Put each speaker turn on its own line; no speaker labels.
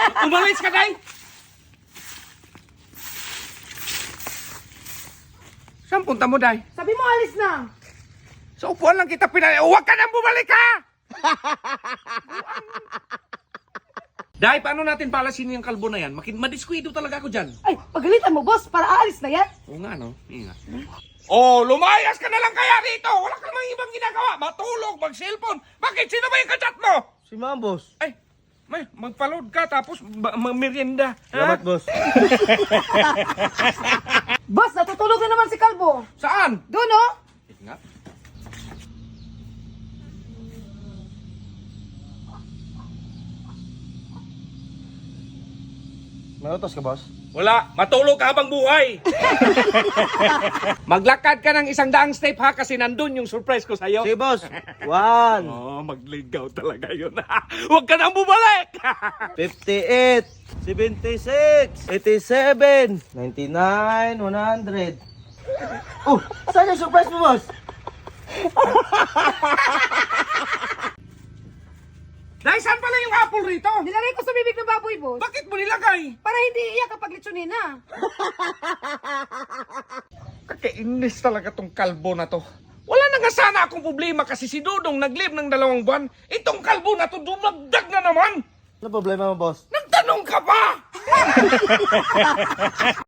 Umalis ka, day! Saan punta mo, day?
Sabi mo, alis na.
Sa upuan lang kita pinali. Huwag ka nang bumalik, ha! Day, paano natin palasin yung kalbo na yan? Madiskwido talaga ako dyan.
Ay, pagalitan mo, boss, para aalis na yan.
Oo nga, no? Ingat. Oh, lumayas ka na lang kaya dito. Wala ka namang ibang ginagawa. Matulog, mag-cellphone. Bakit? Sino ba yung kachat mo?
Si Ma'am, boss.
Ay, may magpaload ka tapos merienda.
Salamat, boss.
Boss, natutulog na naman si Kalbo.
Saan?
Doon, oh.
Ingat.
May utos ka, boss?
Wala, matulog ka habang buhay. Maglakad ka ng 100 step ha kasi nandun yung surprise ko sa'yo.
Sige, boss. 1,
Oh, magligaw talaga yun. Huwag ka nang bumalik.
58, 76, 87, 99, 100. Oh, saan yung surprise mo, boss?
Dahil saan pala yung apple rito?
Nilagay ko sa bibig ng baboy, boss.
Bakit mo nilagay?
Para hindi iyak kapag litsunin na.
Kakainis talaga tong kalbo na to. Wala na nga sana akong problema kasi si Dudong nag-live ng 2 buwan. Itong kalbo na to dumagdag na naman.
Ano problema mo, boss?
Nagtanong ka pa!